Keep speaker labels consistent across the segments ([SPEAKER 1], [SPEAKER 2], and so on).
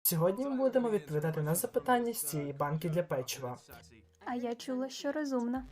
[SPEAKER 1] Сьогодні ми будемо відповідати на запитання з цієї банки для печива.
[SPEAKER 2] А я чула, що розумна.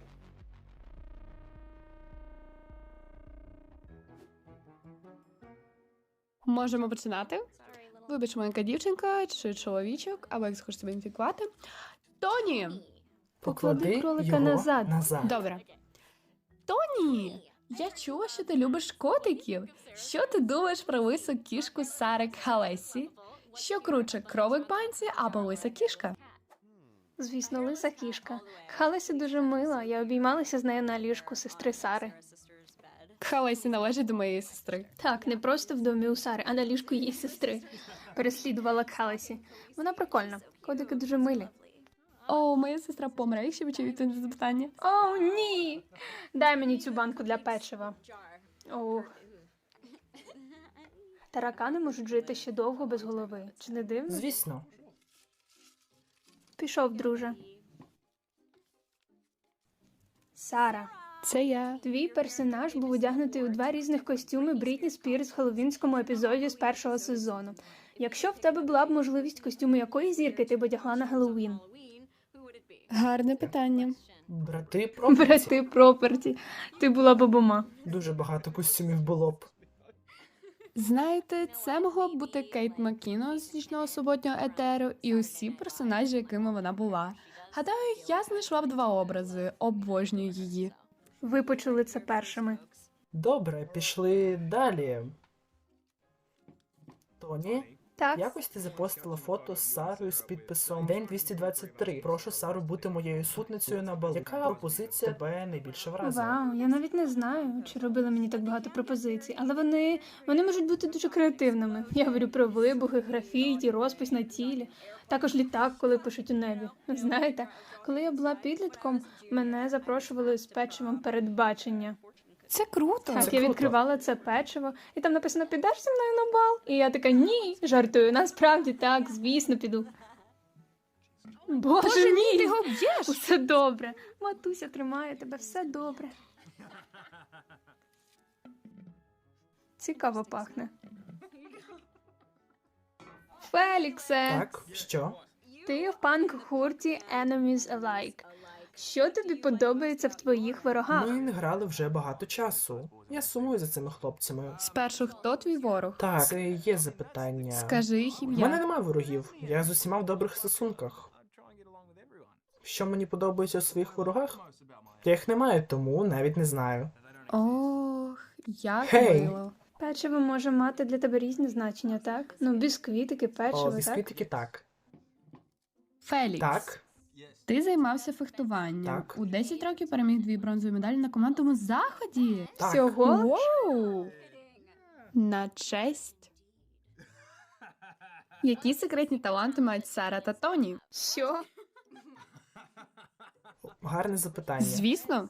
[SPEAKER 3] Можемо починати. Вибач, маленька дівчинка чи чоловічок, або як хочеш себе ідентифікувати. Тоні!
[SPEAKER 2] Поклади кролика
[SPEAKER 1] його
[SPEAKER 2] назад.
[SPEAKER 3] Добре. Тоні! Я чула, що ти любиш котиків. Що ти думаєш про лису кішку Сари Кхалесі? Що круче, кролик банці або лиса кішка?
[SPEAKER 2] Звісно, лиса кішка. Кхалесі дуже мила. Я обіймалася з нею на ліжку сестри Сари.
[SPEAKER 3] Кхалесі належить до моєї сестри.
[SPEAKER 2] Так, не просто в домі у Сари, а на ліжку її сестри. Переслідувала Кхалесі. Вона прикольна. Котики дуже милі.
[SPEAKER 3] О, моя сестра помре, якщо ви чуєте це запитання.
[SPEAKER 2] О, ні! Дай мені цю банку для печива. Ох. Таракани можуть жити ще довго без голови. Чи не дивно?
[SPEAKER 1] Звісно.
[SPEAKER 2] Пішов, друже. Сара,
[SPEAKER 3] Це я.
[SPEAKER 2] твій персонаж був одягнутий у 2 різних костюми Брітні Спірс в хеллоуінському епізоді з 1-го сезону. Якщо в тебе була б можливість, костюму якої зірки ти б одягла на Геловін?
[SPEAKER 3] Гарне питання.
[SPEAKER 1] Брати Проперті.
[SPEAKER 2] Брати Проперті. Ти була б обома.
[SPEAKER 1] Дуже багато костюмів було б.
[SPEAKER 3] Знаєте, це могло б бути Кейт Маккіно з «Нічного суботнього етеру» і усі персонажі, якими вона була. Гадаю, я знайшла б 2 образи. Обожнюю її.
[SPEAKER 2] Ви почули це першими.
[SPEAKER 1] Добре, пішли далі. Тоні,
[SPEAKER 2] Так,
[SPEAKER 1] якось ти запостила фото з Сарою з підписом День 223. Прошу Сару бути моєю сутницею на балу. Яка пропозиція тебе найбільше вразила?
[SPEAKER 2] вау, я навіть не знаю, чи робили мені так багато пропозицій, але вони можуть бути дуже креативними. Я говорю про вибухи, графіті, розпис на тілі, також літак, коли пишуть у небі. Знаєте, коли я була підлітком, мене запрошували з печивом передбачення.
[SPEAKER 3] Це круто.
[SPEAKER 2] Так,
[SPEAKER 1] Це
[SPEAKER 2] я
[SPEAKER 1] круто.
[SPEAKER 2] відкривала це печиво, і там написано «Підеш зі мною на бал?» І я така «Ні!» Жартую, насправді так, звісно, піду. Боже мій!
[SPEAKER 3] ти його б'єш!
[SPEAKER 2] Усе добре. Матуся тримає тебе, все добре. Цікаво пахне. Феліксе,
[SPEAKER 1] Так, що?
[SPEAKER 2] ти в панк-гурті Enemies Alike. Що тобі подобається в твоїх ворогах?
[SPEAKER 1] Ми не грали вже багато часу. Я сумую за цими хлопцями.
[SPEAKER 3] Спершу, хто твій ворог?
[SPEAKER 1] Так, це і є запитання.
[SPEAKER 3] Скажи їх
[SPEAKER 1] У мене
[SPEAKER 3] ім'я.
[SPEAKER 1] немає ворогів. Я з усіма в добрих стосунках. Що мені подобається у своїх ворогах? Я їх не маю, тому навіть не знаю.
[SPEAKER 3] Ох, як
[SPEAKER 1] Гей!
[SPEAKER 3] мило.
[SPEAKER 2] Печиво може мати для тебе різні значення, так? Ну, бісквітики, печиво,
[SPEAKER 1] О,
[SPEAKER 2] так?
[SPEAKER 1] бісквітики так.
[SPEAKER 3] Фелікс,
[SPEAKER 1] Так,
[SPEAKER 3] ти займався фехтуванням.
[SPEAKER 1] Так.
[SPEAKER 3] У 10 років переміг 2 бронзові медалі на командному заході.
[SPEAKER 1] так.
[SPEAKER 2] Всього?
[SPEAKER 3] Воу! На честь. Які секретні таланти мають Сара та Тоні?
[SPEAKER 2] Що?
[SPEAKER 1] Гарне запитання.
[SPEAKER 3] Звісно.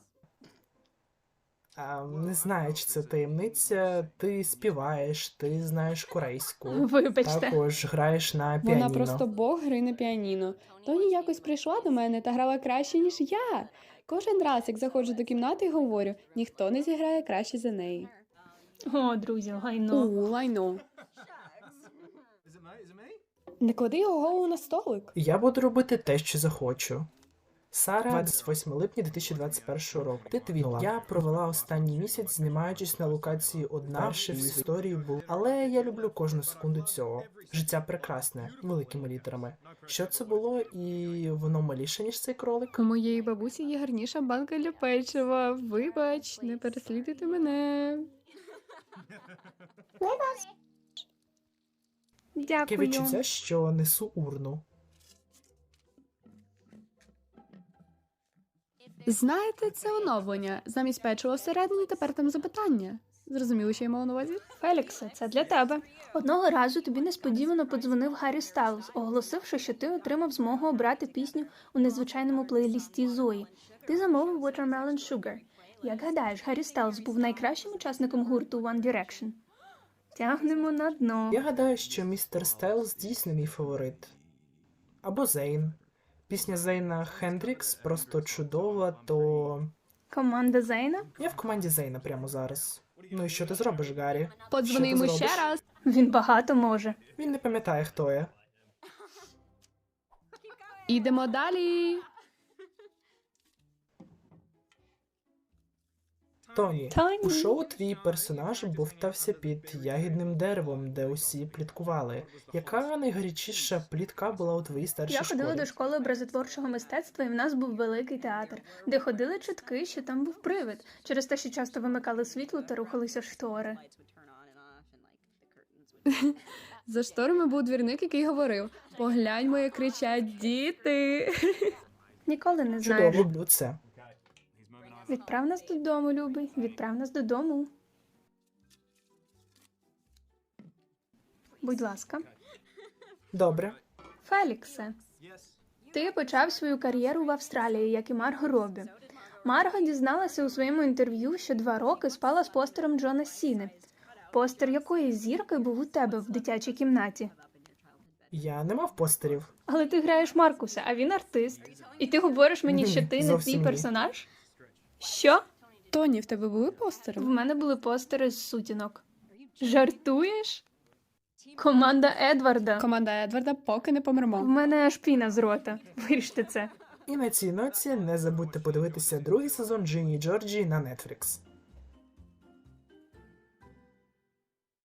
[SPEAKER 1] Не знаю, чи це таємниця. Ти співаєш, ти знаєш корейську.
[SPEAKER 2] Вибачте.
[SPEAKER 1] Також граєш на піаніно.
[SPEAKER 3] Вона просто бог гри на піаніно. Тоні якось прийшла до мене та грала краще, ніж я. Кожен раз, як заходжу до кімнати і говорю, ніхто не зіграє краще за неї.
[SPEAKER 2] О, друзі, гайно.
[SPEAKER 3] Лайно. Не клади його голову на столик.
[SPEAKER 1] Я буду робити те, що захочу. Сара, 28 липня 2021 року. Ти твіла. Я провела останній місяць, знімаючись на локації одна. Перше в історії був. Але я люблю кожну секунду цього. Життя прекрасне, великими літерами. Що це було, і воно маліше, ніж цей кролик?
[SPEAKER 3] У моєї бабусі є гарніша банка для печива. Вибач, не переслідуйте мене.
[SPEAKER 1] Таке
[SPEAKER 2] Дякую.
[SPEAKER 1] відчуття, що несу урну.
[SPEAKER 3] Знаєте, це оновлення. Замість печива всередині тепер там запитання. Зрозуміли, що я мала на увазі?
[SPEAKER 2] Феліксе, це для тебе. Одного разу тобі несподівано подзвонив Гаррі Стайлз, оголосивши, що ти отримав змогу обрати пісню у незвичайному плейлісті Зої. Ти замовив Watermelon Sugar. Як гадаєш, Гаррі Стайлз був найкращим учасником гурту One Direction? Тягнемо на дно.
[SPEAKER 1] Я гадаю, що містер Стайлз дійсно мій фаворит. Або Зейн. Пісня Зейна Хендрікс просто чудова, то...
[SPEAKER 2] Команда Зейна?
[SPEAKER 1] Я в команді Зейна прямо зараз. Ну і що ти зробиш, Гаррі?
[SPEAKER 3] Подзвони
[SPEAKER 1] Що ти
[SPEAKER 3] йому ще
[SPEAKER 1] зробиш?
[SPEAKER 3] раз.
[SPEAKER 2] Він багато може.
[SPEAKER 1] Він не пам'ятає, хто я.
[SPEAKER 3] Ідемо далі.
[SPEAKER 1] Тоні,
[SPEAKER 2] Тоні.
[SPEAKER 1] у шоу твій персонаж бовтався під ягідним деревом, де усі пліткували. Яка найгарячіша плітка була у твоїй старшій
[SPEAKER 2] Я ходила
[SPEAKER 1] школі?
[SPEAKER 2] до школи образотворчого мистецтва, і в нас був великий театр, де ходили чутки, що там був привид, через те, що часто вимикали світло та рухалися штори.
[SPEAKER 3] За шторами був двірник, який говорив: погляньмо, як кричать діти.
[SPEAKER 2] Ніколи не
[SPEAKER 1] Чудово,
[SPEAKER 2] знаєш.
[SPEAKER 1] люблю це.
[SPEAKER 2] Відправ нас додому, любий. Відправ нас додому. Будь ласка.
[SPEAKER 1] Добре.
[SPEAKER 2] Феліксе, ти почав свою кар'єру в Австралії, як і Марго Робі. Марго дізналася у своєму інтерв'ю, що 2 роки спала з постером Джона Сіни. Постер якої зірки був у тебе в дитячій кімнаті?
[SPEAKER 1] Я не мав постерів.
[SPEAKER 2] Але ти граєш Маркуса, а він артист. І ти говориш мені,
[SPEAKER 1] Ні,
[SPEAKER 2] що ти не
[SPEAKER 1] зовсім
[SPEAKER 2] твій
[SPEAKER 1] ні.
[SPEAKER 2] персонаж? Що?
[SPEAKER 3] Тоні, в тебе були постери?
[SPEAKER 2] В мене були постери з сутінок. Жартуєш? Команда Едварда.
[SPEAKER 3] Команда Едварда, поки не
[SPEAKER 2] В
[SPEAKER 3] помремо.
[SPEAKER 2] мене аж піна з рота. Виріште це.
[SPEAKER 1] І на цій ноті не забудьте подивитися другий сезон Джині і Джорджі на Netflix.